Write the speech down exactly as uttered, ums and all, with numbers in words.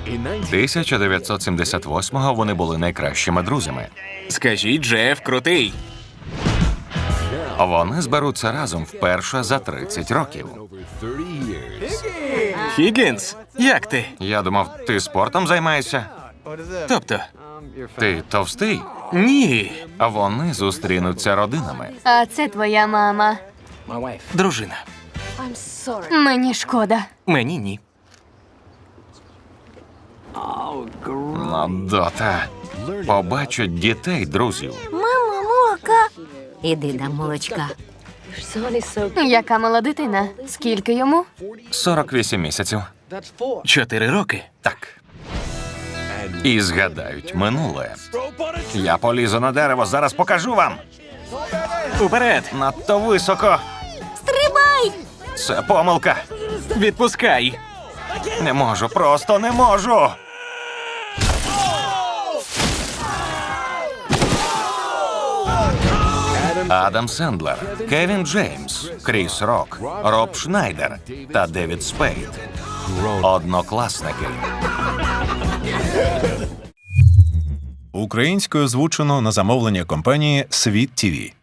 тисяча дев'ятсот сімдесят восьмого вони були найкращими друзями. Скажіть, Джеф крутий. Вони зберуться разом вперше за тридцять років. Хіггінс, як ти? Я думав, ти спортом займаєшся? Тобто? Ти товстий? Ні. А вони зустрінуться родинами. А це твоя мама. Дружина. Мені шкода. Мені ні. Ну, дота. Побачать дітей, друзів. Мамо, молока. Іди дам молочка. Яка мала дитина? Скільки йому? сорок вісім місяців. Чотири роки. Так. І згадають минуле. Я полізу на дерево, зараз покажу вам. Уперед! Надто високо. Стрибай! Це помилка. Відпускай! Не можу, просто не можу. Адам Сендлер, Кевін Джеймс, Кріс Рок, Роб Шнайдер та Девід Спейд. Однокласники. Українською озвучено на замовлення компанії «Світ ТІВІ».